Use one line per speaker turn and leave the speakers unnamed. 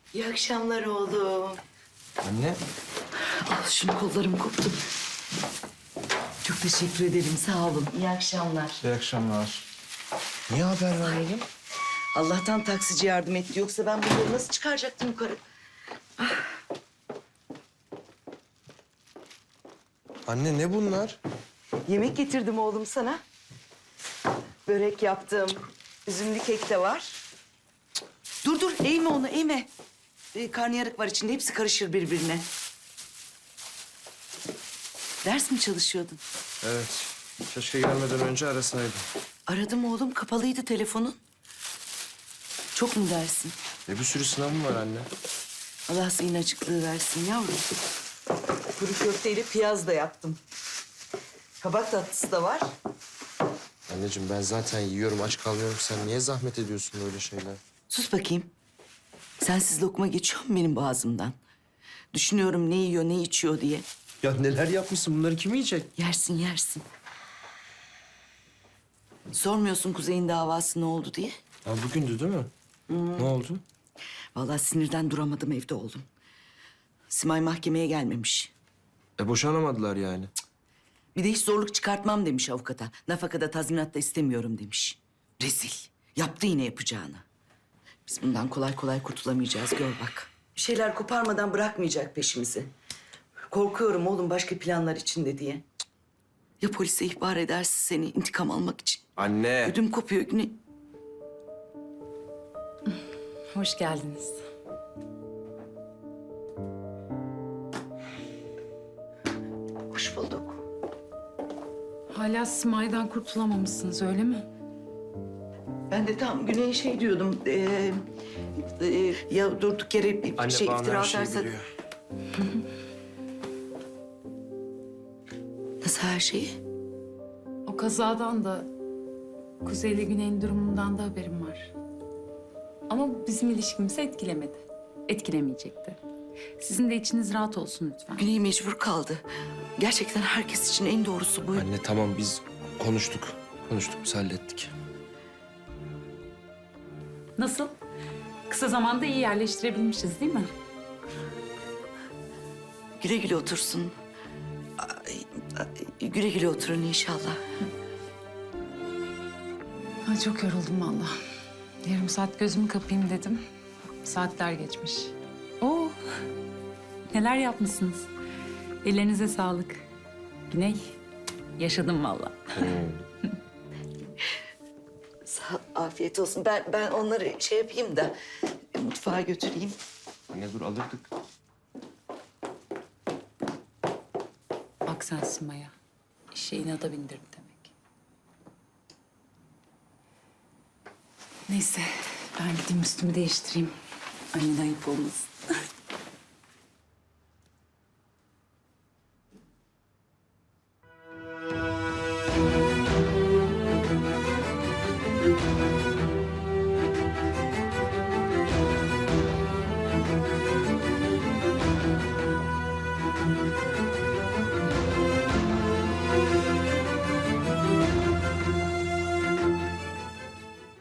İyi akşamlar oğlum.
Anne.
Al şunu, kollarım koptu. Çok teşekkür ederim, sağ olun. İyi akşamlar.
İyi akşamlar. Niye haber vermedin?
Allah'tan taksici yardım etti. Yoksa ben bunları nasıl çıkaracaktım yukarı?
Anne ne bunlar?
Yemek getirdim oğlum sana. Börek yaptım. Üzümlü kek de var. Dur dur, eğme onu, eğme. Karnıyarık var içinde, hepsi karışır birbirine. Ders mi çalışıyordun?
Evet. Keşke gelmeden önce arasaydım.
Aradım oğlum, kapalıydı telefonun. Çok mu dersin?
Bir sürü sınavım var anne.
Allah senin açıklığı versin yavrum. Kuru köfteyle piyaz da yaptım. Kabak tatlısı da var.
Anneciğim ben zaten yiyorum, aç kalmıyorum. Sen niye zahmet ediyorsun böyle şeyler?
Sus bakayım. Sensiz lokma geçiyor mu benim boğazımdan? Düşünüyorum ne yiyor, ne içiyor diye.
Ya neler yapmışsın? Bunları kim yiyecek?
Yersin, yersin. Sormuyorsun Kuzey'in davası ne oldu diye.
Ya bugündü değil mi? Ne oldu?
Vallahi sinirden duramadım evde oğlum. Simay mahkemeye gelmemiş.
Boşanamadılar yani.
Bir de hiç zorluk çıkartmam demiş avukata. Nafakada, tazminat da istemiyorum demiş. Rezil. Yaptı yine yapacağını. Biz bundan kolay kolay kurtulamayacağız, gör bak. Bir şeyler koparmadan bırakmayacak peşimizi. Korkuyorum oğlum başka planlar içinde diye. Ya polise ihbar ederse seni intikam almak için?
Anne.
Ödüm kopuyor Güney.
Hoş geldiniz.
Hoş bulduk.
Hala Simay'dan kurtulamamışsınız öyle mi?
Ben de tam Güney'e şey diyordum. Ya durduk yere bir
Anne
şey
bana
iftira
her şeyi
atarsa...
biliyor.
Nasıl her şeyi?
O kazadan da Kuzey ile Güney'in durumundan da haberim var. Ama bizim ilişkimizi etkilemedi. Etkilemeyecekti. Sizin de içiniz rahat olsun lütfen.
Güney mecbur kaldı. Gerçekten herkes için en doğrusu bu.
Anne tamam biz konuştuk. Konuştuk biz hallettik.
Nasıl? Kısa zamanda iyi yerleştirebilmişiz değil mi?
Güle güle otursun. Güle güle oturun inşallah.
Ay çok yoruldum vallahi. Yarım saat gözümü kapayım dedim. Saatler geçmiş. Oo, neler yapmışsınız. Ellerinize sağlık. Güney, yaşadım vallahi.
Afiyet olsun. Ben onları şey yapayım da mutfağa götüreyim.
Anne dur alırdık.
Bak sen Sima'ya. İşe inada bindirdi demek. Neyse, ben gideyim üstümü değiştireyim. Aynen ayıp olmasın.